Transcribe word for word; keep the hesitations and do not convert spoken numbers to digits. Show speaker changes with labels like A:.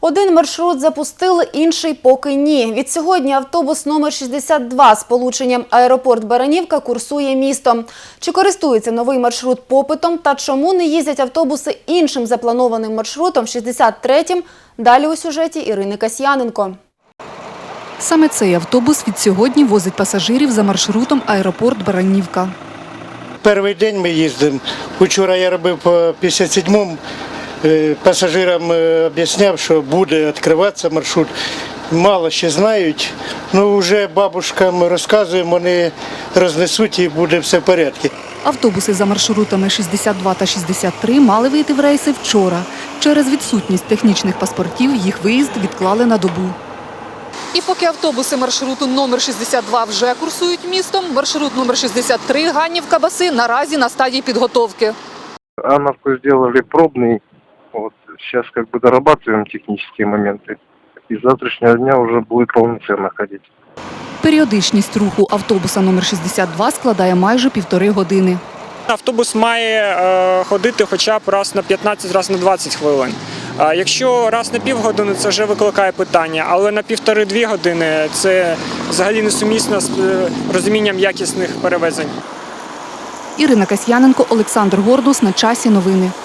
A: Один маршрут запустили, інший поки ні. Від сьогодні автобус номер шістдесят два з полученням аеропорт Баранівка курсує містом. Чи користується новий маршрут попитом та чому не їздять автобуси іншим запланованим маршрутом шістдесят третім? Далі у сюжеті Ірини Касьяненко.
B: Саме цей автобус від сьогодні возить пасажирів за маршрутом аеропорт Баранівка.
C: Перший день ми їздимо. Вчора я робив по п'ятдесят сьомому. Пасажирам об'ясняв, що буде відкриватися маршрут. Мало ще знають, але вже бабушкам розказуємо, вони рознесуть і буде все в порядку.
B: Автобуси за маршрутами шістдесят два та шістдесят три мали вийти в рейси вчора. Через відсутність технічних паспортів їх виїзд відклали на добу. І поки автобуси маршруту номер шістдесят два вже курсують містом, маршрут номер шістдесят три Ганнівка-Баси наразі на стадії підготовки.
D: Анновку зробили пробний. Вот сейчас как бы дорабатываем технические моменты. И с завтрашнего дня уже будет полноценно ходить.
B: Періодичність руху автобуса номер шістдесят два складає майже півтори години.
E: Автобус має е, ходити хоча б раз на п'ятнадцять, раз на двадцять хвилин. А якщо раз на півгодини, це вже викликає питання, але на півтори-дві години це взагалі несумісно з розумінням якісних перевезень.
B: Ірина Касьяненко, Олександр Гордус. На часі новини.